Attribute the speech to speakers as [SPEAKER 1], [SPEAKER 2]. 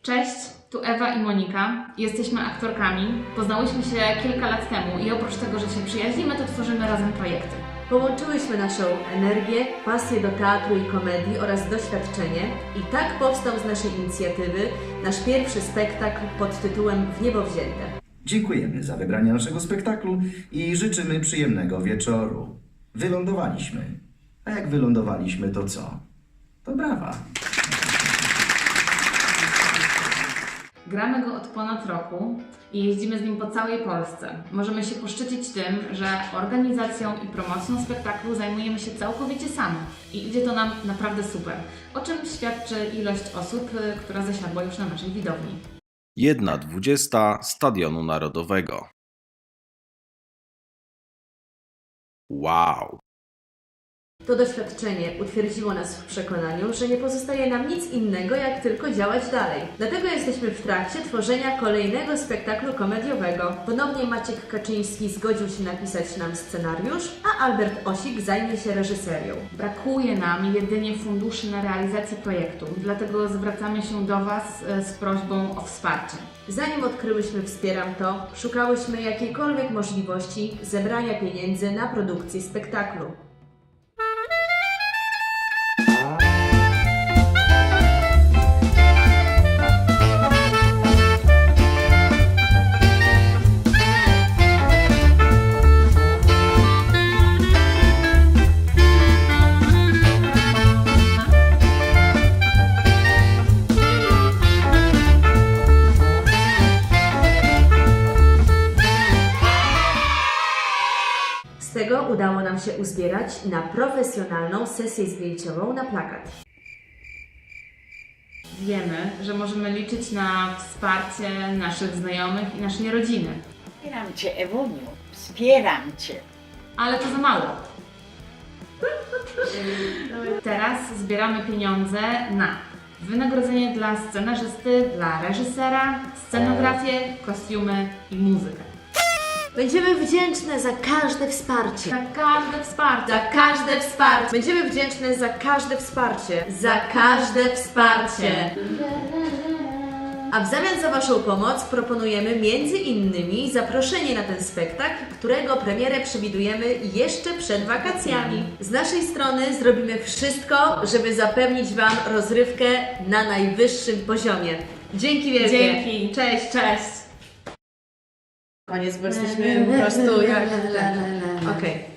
[SPEAKER 1] Cześć, tu Ewa i Monika. Jesteśmy aktorkami. Poznałyśmy się kilka lat temu i oprócz tego, że się przyjaźnimy, to tworzymy razem projekty.
[SPEAKER 2] Połączyłyśmy naszą energię, pasję do teatru i komedii oraz doświadczenie i tak powstał z naszej inicjatywy nasz pierwszy spektakl pod tytułem W niebo wzięte.
[SPEAKER 3] Dziękujemy za wybranie naszego spektaklu i życzymy przyjemnego wieczoru. Wylądowaliśmy. A jak wylądowaliśmy, to co? To brawa.
[SPEAKER 1] Gramy go od ponad roku i jeździmy z nim po całej Polsce. Możemy się poszczycić tym, że organizacją i promocją spektaklu zajmujemy się całkowicie sami i idzie to nam naprawdę super, o czym świadczy ilość osób, która zasiadła już na naszej widowni.
[SPEAKER 4] 1/20 Stadionu Narodowego. Wow!
[SPEAKER 2] To doświadczenie utwierdziło nas w przekonaniu, że nie pozostaje nam nic innego, jak tylko działać dalej. Dlatego jesteśmy w trakcie tworzenia kolejnego spektaklu komediowego. Ponownie Maciek Kaczyński zgodził się napisać nam scenariusz, a Albert Osik zajmie się reżyserią.
[SPEAKER 1] Brakuje nam jedynie funduszy na realizację projektu, dlatego zwracamy się do Was z prośbą o wsparcie.
[SPEAKER 2] Zanim odkryłyśmy Wspieram To, szukałyśmy jakiejkolwiek możliwości zebrania pieniędzy na produkcję spektaklu. Z tego udało nam się uzbierać na profesjonalną sesję zdjęciową na plakat.
[SPEAKER 1] Wiemy, że możemy liczyć na wsparcie naszych znajomych i naszej rodziny,
[SPEAKER 5] Wspieram Cię, Ewuniu, wspieram Cię.
[SPEAKER 1] ale to za mało. Teraz zbieramy pieniądze na wynagrodzenie dla scenarzysty, dla reżysera, scenografię, kostiumy i muzykę.
[SPEAKER 2] Będziemy wdzięczne za każde wsparcie.
[SPEAKER 1] Za każde wsparcie.
[SPEAKER 2] Za każde wsparcie. Będziemy wdzięczne za każde wsparcie. Za każde wsparcie. A w zamian za Waszą pomoc proponujemy między innymi zaproszenie na ten spektakl, którego premierę przewidujemy jeszcze przed wakacjami. Z naszej strony zrobimy wszystko, żeby zapewnić Wam rozrywkę na najwyższym poziomie. Dzięki wielkie.
[SPEAKER 1] Dzięki. Cześć, cześć.
[SPEAKER 2] Koniec, bo jesteśmy po prostu jak... Okej.